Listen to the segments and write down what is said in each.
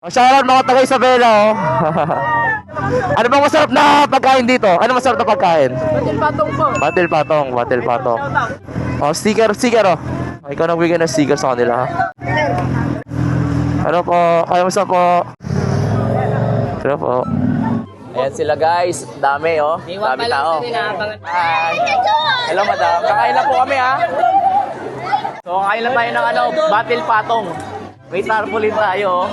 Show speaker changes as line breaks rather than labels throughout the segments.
Shoutout mga taga Isabela, oh. Ano bang masarap na pagkain dito? Ano masarap na pagkain?
Batil patong po.
Batil patong. Oh, sticker, oh. Ikaw nagbigay ng sticker sa kanila, ha? Ano po? Kamusta po? Ano po? Ayan sila guys. Dami, oh. Dami tao. Hi. Hello, madam. Kakain lang po kami, ha? So, kakain lang tayo ng batil patong. May tarpaulin tayo, oh.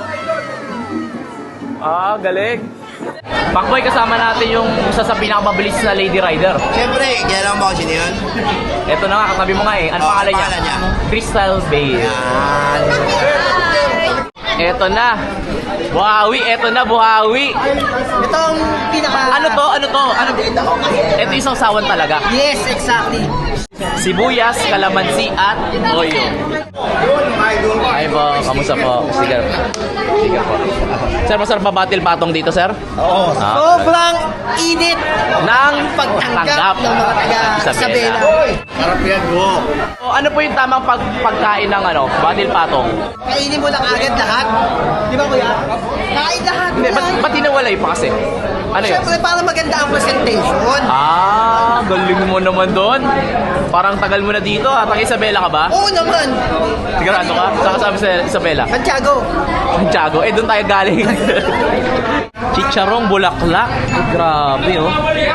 Ah, galing. Pakboy, kasama natin yung isa sa pinakamabilis na lady rider.
Siyempre, kailangan mo kasi yun.
Ito na nga, katabi mo nga eh. Ano pangalan niya? Crystal Bay.
Yan.
Ito na. Buhawi, ito na, buhawi.
Ito ang pinaka...
Ano to? Ito isang sawan talaga.
Yes, exactly.
Sibuyas, kalamansi, at toyo. Ay po, kamusta po? Sige po. Sir, masarap ba batil patong dito, sir?
Oo.
Sobrang init
Nang
pagtanggap ng mga taga Isabela.
Harap yan, go.
So, ano po yung tamang pagkain ng batil patong?
Kainin mo lang agad lahat. Di ba kuya? Kain lahat.
Hindi, ba't tinawalay pa kasi? Ano yun?
Siyempre, para maganda ang presentation.
Ah, galing mo naman doon. Parang tagal mo na dito, ha? Taga Isabela ka ba?
Oo naman.
Sigurado ka? Saan ka sabi sa Isabela?
Santiago.
Santiago. Eh, doon tayo galing. Chicharong bulaklak. Grabe, oh.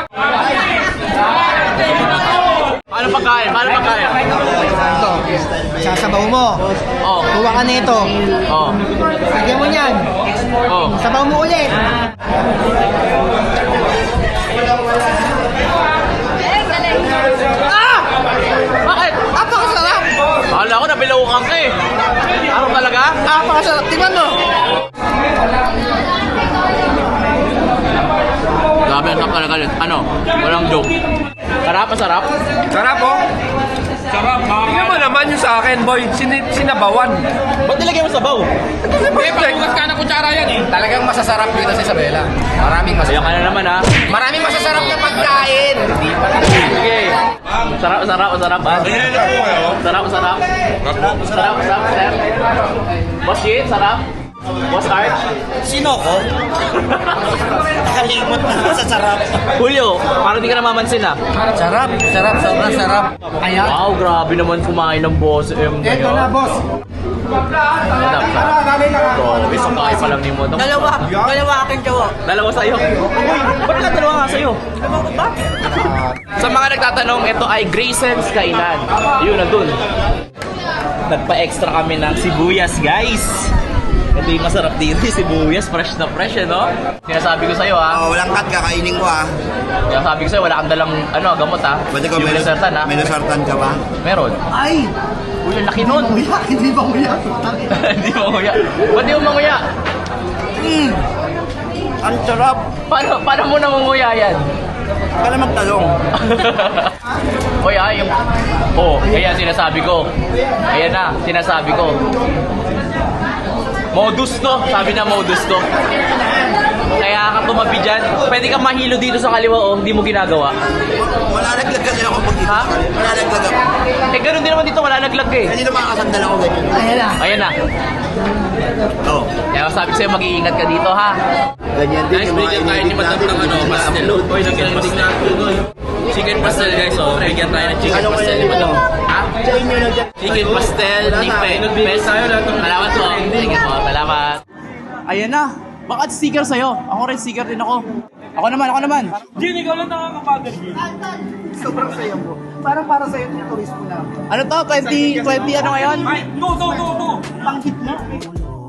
Paano pagkain?
Ito. Sasabaw mo.
Oh.
Kuha ka nito.
Oh.
Lagyan mo niyan.
Oh.
Sabaw mo ulit.
Ah! Bakit?
Apakasarap.
Akala ko nabilaukan ka eh. Ano talaga?
Apakasarap. Tingnan mo.
Grabe, ang sarap talaga. Ano? Walang joke. Sarap, masarap.
Sarap oh. Sarap. Tingnan mo naman yung sa akin, boy. Sinabawan.
Ba't nilagay mo sabaw?
Eh, pagbukas ka ng kutsara yan eh.
Talagang masasarap dito sa Isabela. Maraming
Ayan ka na naman, ha?
Maraming masasarap na pagkain.
Sige. Sarap. Ah. Sarap, sir. Boss Jit, sarap. Boss Art.
Sino ko? Nakalimot na sa sarap.
Julio, parang di ka namamansin, ha?
Sarap. Sobrang sarap.
Ayan.
Wow, grabe naman kumain ng boss M.
Ito na, boss.
Sarap. Grabe, isang kain pa lang ni mo.
Dalawa aking jawa.
Dalawa sa'yo. Ba't ka dalawa nga sa'yo? Sa mga nagtatanong, ito ay Grayson's Kainan. Yun, nandun. Nagpa-extra kami ng sibuyas, guys. Ito yung masarap dito, yung sibuyas. Fresh na fresh, no? Sinasabi ko sa'yo, ha?
Oh, walang cut, kakainin ko ah.
Sinasabi ko sa'yo, wala kang dalang gamot, ha?
Pwede ko
Yung
may
Losartan, ha?
may Losartan ka ba?
Meron.
Ay!
Uy, ang laki nun.
Kuya, hindi ba kuya?
Hindi mo nguya. Ba't di mo manguya?
Ang sarap.
Paano mo namunguya yan?
Kala magtalong.
Oy, yung... Oh, ayan sinasabi ko. Ayan na, sinasabi ko. Modus to. Sabi na modus to. Kaya ka tumabi dyan. Pwede kang mahilo dito sa kaliwa, oh. Hindi mo ginagawa.
Wala naglag kasi ako pag dito.
Ha?
Wala naglag ako.
Eh, ganun din naman dito. Wala naglag eh.
Hindi na makakasandal ako ganyan.
Ayan na.
Ayan na.
Oh.
Kaya sabi ko sa'yo, mag-iingat ka dito, ha?
Ganyan din yung mga inedit natin.
pastel. Oy, chicken pastel. Chicken pastel, guys. Oh, bigyan tayo ng chicken pastel ni Madam. Ha? Chicken pastel ni Pes. Salamat po. Sige po, salamat. Ayan na. Bakit sticker sa'yo? Ako rin, sticker din ako. Ako naman.
Gin, ikaw lang nakakapagod, Gin.
Sobrang sayo mo. Parang para sa'yo yung turismo na.
Ano to? 20 ano ngayon?
Ay, go.
Pang hit na.